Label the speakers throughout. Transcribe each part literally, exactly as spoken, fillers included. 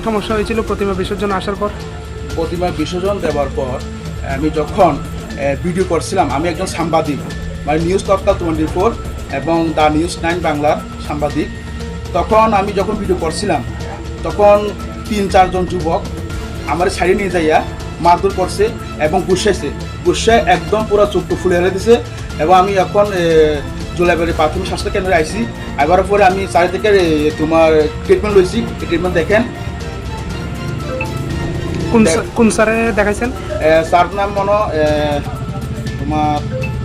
Speaker 1: সমস্যা হয়েছিল প্রতিমা বিসর্জন আসার পর?
Speaker 2: প্রতিমা বিসর্জন দেওয়ার পর আমি যখন ভিডিও করছিলাম, আমি একজন সাংবাদিক, মানে নিউজ তৎকাল টোয়েন্টি ফোর এবং দ্য নিউজ নাইন বাংলার সাংবাদিক। তখন আমি যখন ভিডিও করছিলাম তখন তিন চারজন যুবক আমার সাইডে নিয়ে যাইয়া মারধর করছে এবং গুসাইছে, গুসায় একদম পুরো চোখটা ফুলে হেলে দিছে। এবং আমি এখন জোলাইবাড়ি প্রাথমিক স্বাস্থ্য কেন্দ্রে আইসি। এবার পরে আমি চারি থেকে তোমার ট্রিটমেন্ট লইছি। এই ট্রিটমেন্ট দেখেন।
Speaker 1: কোন কোন স্যারে দেখাইছেন?
Speaker 2: স্যার নাম মনে তোমার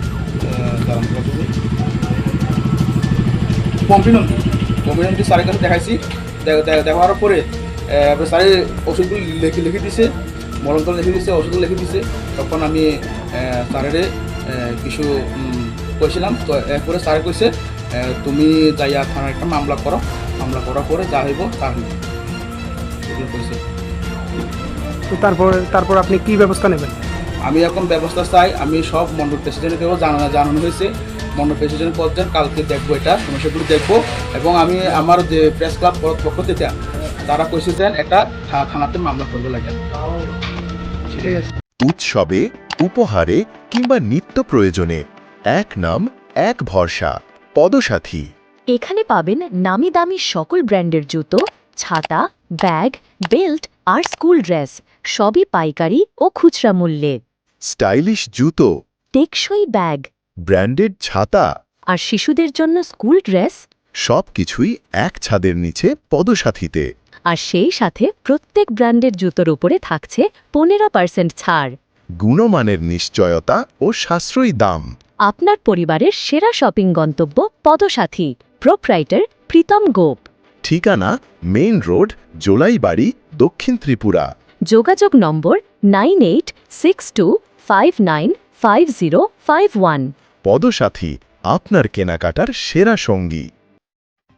Speaker 2: পম্পিনন্দী পম্পিনন্দী স্যারের কাছে দেখাইছি। দেখার পরে স্যারের ওষুধগুলো লিখে লিখে দিছে, মলমতল লিখে দিছে, ওষুধগুলো লিখে দিছে। তখন আমি স্যারের কিছু কইছিলাম। তো এরপরে স্যার কইছে তুমি যাইয়া থানার একটা মামলা করো, মামলা করার পরে যা হইব তা হইব, এগুলো কইছে।
Speaker 1: তো তারপর তারপর আপনি কি ব্যবস্থা নেবেন?
Speaker 2: আমি এখন ব্যবস্থা চাই। আমি সব মন্ডল প্রেসিডেন্টকেও জানানো জানানো হয়েছে। মন্ডল প্রেসিডেন্ট পর্যন্ত কালকে দেখবো এটা সমস্যাগুলো দেখবো। এবং আমি আমার যে প্রেস ক্লাব পক্ষ থেকে তারা কইছে যে একটা থানাতে মামলা করবে লাগে।
Speaker 1: ঠিক আছে।
Speaker 3: উৎসবে, উপহারে কিংবা নিত্য প্রয়োজনে এক নাম এক ভরসা, পদসাথী।
Speaker 4: এখানে পাবেন নামি দামি সকল ব্র্যান্ডের জুতো, ছাতা, ব্যাগ, বেল্ট আর স্কুল ড্রেস, সবই পাইকারি ও খুচরা মূল্যে।
Speaker 3: স্টাইলিশ জুতো,
Speaker 4: টেকসই ব্যাগ,
Speaker 3: ব্র্যান্ডেড ছাতা
Speaker 4: আর শিশুদের জন্য স্কুল ড্রেস,
Speaker 3: সবকিছুই এক ছাদের নিচে পদসাথীতে।
Speaker 4: আর সেই সাথে প্রত্যেক ব্র্যান্ডের জুতোর উপরে থাকছে পনেরো পার্সেন্ট ছাড়।
Speaker 3: গুণমানের নিশ্চয়তা ও সাশ্রয়ী দাম।
Speaker 4: আপনার পরিবারের সেরা শপিং গন্তব্য পদসাথী। প্রোপ্রাইটার প্রীতম গোপ।
Speaker 3: ঠিকানা মেইন রোড, জোলাইবাড়ি, দক্ষিণ ত্রিপুরা।
Speaker 4: যোগাযোগ number nine eight six two five nine five zero five one.
Speaker 3: Padasathi, আপনার কেনাকাটার সেরা সঙ্গী।